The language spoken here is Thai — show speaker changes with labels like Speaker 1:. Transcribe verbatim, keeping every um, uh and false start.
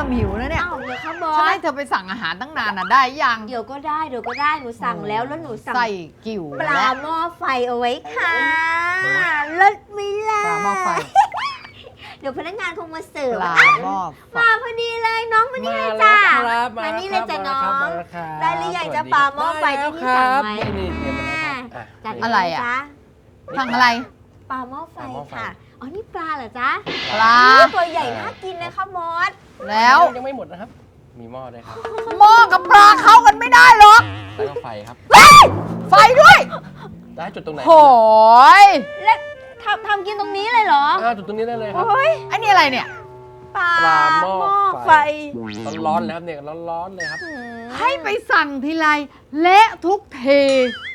Speaker 1: ริ่มหิวแล้วเนี่ย
Speaker 2: อ้าวเหรอคะบอ
Speaker 1: ฉัน
Speaker 2: ส
Speaker 1: ให้เธอไปสั่งอาหารตั้งนานน่ะได้ยัง
Speaker 2: เดี๋ยวก็ได้เดี๋ยวก็ได้หนูสั่งแล้วแล้วหนูสั่ง
Speaker 1: ใส่กิ่ว
Speaker 2: ปลา
Speaker 1: และ
Speaker 2: หม้อไฟเอาไว้ค่ะเลิศมิลา
Speaker 1: ปลาหม้อไฟ
Speaker 2: เดี๋ยวพนักงานคงมาเสิร์ฟ
Speaker 1: ปลาหม้อไฟ
Speaker 2: มาพอดีเลยน้องมานี่เลยจ้ามานี่เลยจ้ะน้อง ได้หรือยังจะปลาหม้อไฟที่พี่สั่งไว้
Speaker 3: นี่นี่เตรียมมาแล้วครับ
Speaker 2: จัด
Speaker 1: อะไรอะ
Speaker 2: จ๊ะ
Speaker 1: สั่งอะไร
Speaker 2: ปลาหม้อไฟ
Speaker 3: ปลาหม้อไฟ
Speaker 2: ค่ะอ๋อนี่ปลาเหรอจ๊ะ
Speaker 1: ปลา
Speaker 2: อุ๊ยตัวใหญ่น่ากินนะคะมอส
Speaker 1: แล้ว
Speaker 3: ยังไม่หมดนะครับ มีหม้อด้วยครับ
Speaker 1: หม้อกับปลาเข้ากันไม่ได้หรอก
Speaker 3: แล้วก็ไฟครับ
Speaker 1: ไฟด้วย
Speaker 3: ได้จุดตรงไหน
Speaker 1: โหย
Speaker 2: และทำทำกินตรงนี้เลยเหรอ
Speaker 3: อ่าจุดตรงนี้ได้เลยครับ
Speaker 2: โอ้ย
Speaker 1: ไอ้นี่อะไรเนี่ย
Speaker 2: ปลา
Speaker 3: ปลาหม้อ
Speaker 2: ไฟ
Speaker 3: ไฟ ร้อนๆเลยครับเนี่ยร้อนๆเลยครับ
Speaker 2: อืม
Speaker 1: ให้ไปสั่งทีไรเละทุกที